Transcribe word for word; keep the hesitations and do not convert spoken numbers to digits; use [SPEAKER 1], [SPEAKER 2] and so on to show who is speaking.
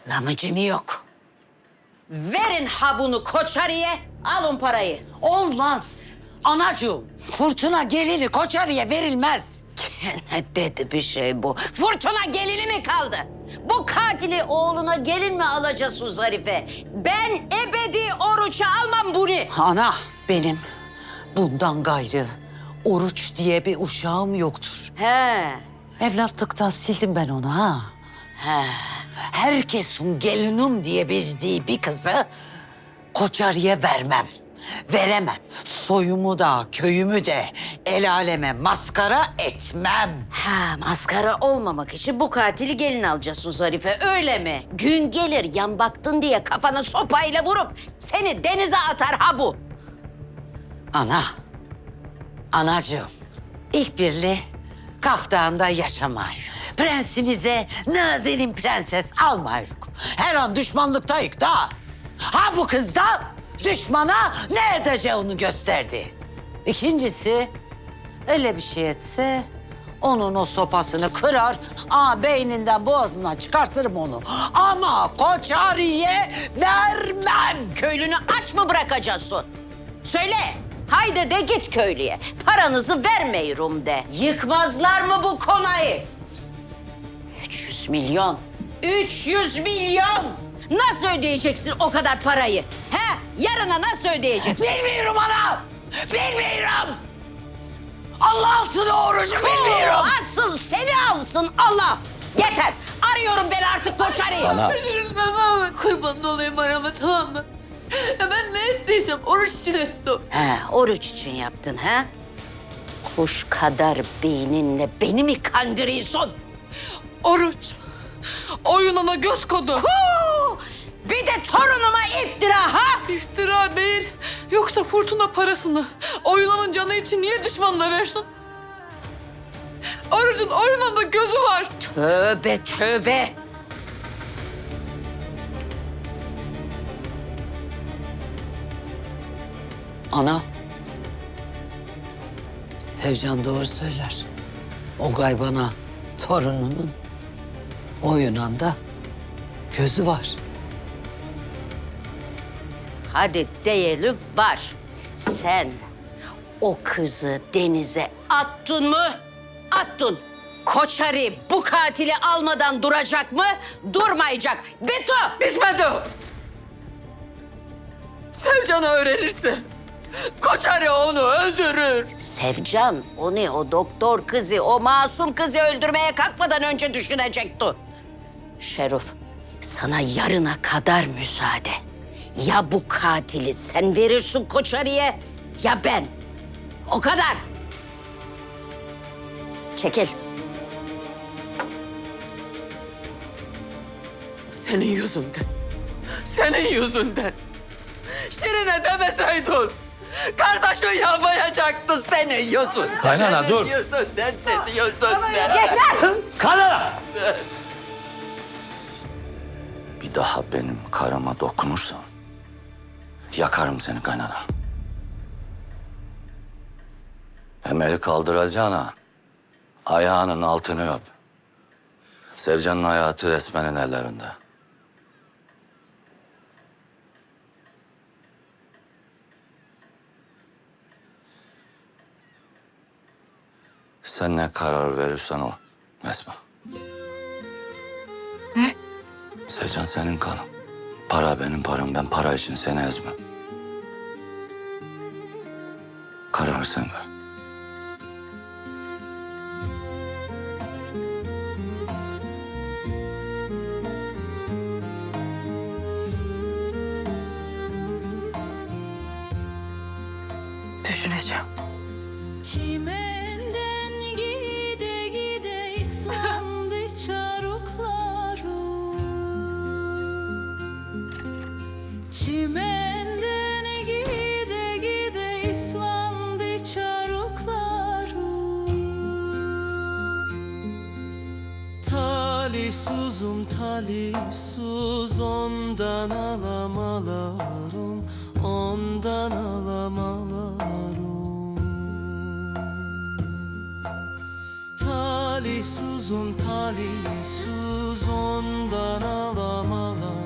[SPEAKER 1] Lamıcım yok. Verin ha bunu Koçarı'ya, alın parayı.
[SPEAKER 2] Olmaz. Anacığım, Fırtına gelini Koçarı'ya verilmez.
[SPEAKER 1] Ne dedi bir şey bu? Fırtına gelini mi kaldı? Bu katili oğluna gelin mi alacağız Zarife? Ben ebedi oruça almam bunu.
[SPEAKER 2] Ana, benim bundan gayrı Oruç diye bir uşağım yoktur.
[SPEAKER 1] He.
[SPEAKER 2] Evlatlıktan sildim ben onu ha.
[SPEAKER 1] He.
[SPEAKER 2] Herkesin gelinim diye bildiği bir kızı Koçarı'ya vermem. Veremem. Soyumu da, köyümü de el aleme maskara etmem.
[SPEAKER 1] Ha, maskara olmamak için bu katili gelin alacaksın Zarife, öyle mi? Gün gelir yan baktın diye kafana sopayla vurup seni denize atar ha bu.
[SPEAKER 2] Ana, anacığım, ilk birli Kaftan'da yaşamayırız. Prensimize Nazenin prenses almayırız. Her an düşmanlıktayık da. Ha bu kız da düşmana ne edeceğini gösterdi. İkincisi, öyle bir şey etse onun o sopasını kırar, aa beyninden boğazından çıkartırım onu. Ama Koçarı'ya vermem.
[SPEAKER 1] Köylünü aç mı bırakacaksın? Söyle, haydi de git köylüye. Paranızı vermeyirum de. Yıkmazlar mı bu konağı? Üç yüz milyon. Üç yüz milyon! Nasıl ödeyeceksin o kadar parayı? He? Yarına nasıl ödeyeceksin?
[SPEAKER 2] Bilmiyorum ana, bilmiyorum. Allah alsın o orucu bilmiyorum.
[SPEAKER 1] Oo, asıl seni alsın Allah. Yeter. Arıyorum ben artık Koçarı'yı.
[SPEAKER 3] Ana.
[SPEAKER 4] Tamam, kurban olayım arama, tamam mı? Ya ben ne ettiysem oruç için ettim.
[SPEAKER 1] He, oruç için yaptın ha? Kuş kadar beyninle beni mi kandırıyorsun?
[SPEAKER 4] Oruç. Oyununa göz kodu.
[SPEAKER 1] Huu! Bir de torunuma iftira ha?
[SPEAKER 4] İftira değil. Yoksa Fırtına parasını oyunanın canı için niye düşmanına versin? Orucun oyununda gözü var.
[SPEAKER 1] Tövbe tövbe.
[SPEAKER 2] Ana, Sevcan doğru söyler. O gaybana torununun o Yunan'da gözü var.
[SPEAKER 1] Hadi diyelim var. Sen o kızı denize attın mı? Attın. Koçarı bu katili almadan duracak mı? Durmayacak. Beto!
[SPEAKER 4] Bitmedi. Sevcan'ı öğrenirse Koçarı onu öldürür.
[SPEAKER 1] Sevcan onu o doktor kızı, o masum kızı öldürmeye kalkmadan önce düşünecekti. Şerif, sana yarına kadar müsaade. Ya bu katili sen verirsin Koçarı'ya ya ben. O kadar. Çekil.
[SPEAKER 4] Senin yüzünden. Senin yüzünden. Şirine demeseydin. Kardeşin yapmayacaktı senin yüzünden.
[SPEAKER 3] Kaynana, dur.
[SPEAKER 4] Senin yüzünden, senin yüzünden.
[SPEAKER 1] Yeter!
[SPEAKER 3] Kaynana!
[SPEAKER 5] Bir daha benim karama dokunursan yakarım seni kaynana. Hem el kaldıracağına ayağının altını öp. Sevcan'ın hayatı Esmen'in ellerinde. Sen ne karar verirsen o Esma.
[SPEAKER 4] Ne?
[SPEAKER 5] Sevcan senin kanın. Para benim param. Ben para için seni ezmem. Kararı sen ver.
[SPEAKER 4] Düşüneceğim.
[SPEAKER 6] Çimenden gide gide ıslandı çaruklarım. Çimenden gide gide ıslandı çaruklarım.
[SPEAKER 7] Talihsuzum talihsuz ondan alamalarım, ondan alamalarım. talihsuzum talihsuz ondan alamalar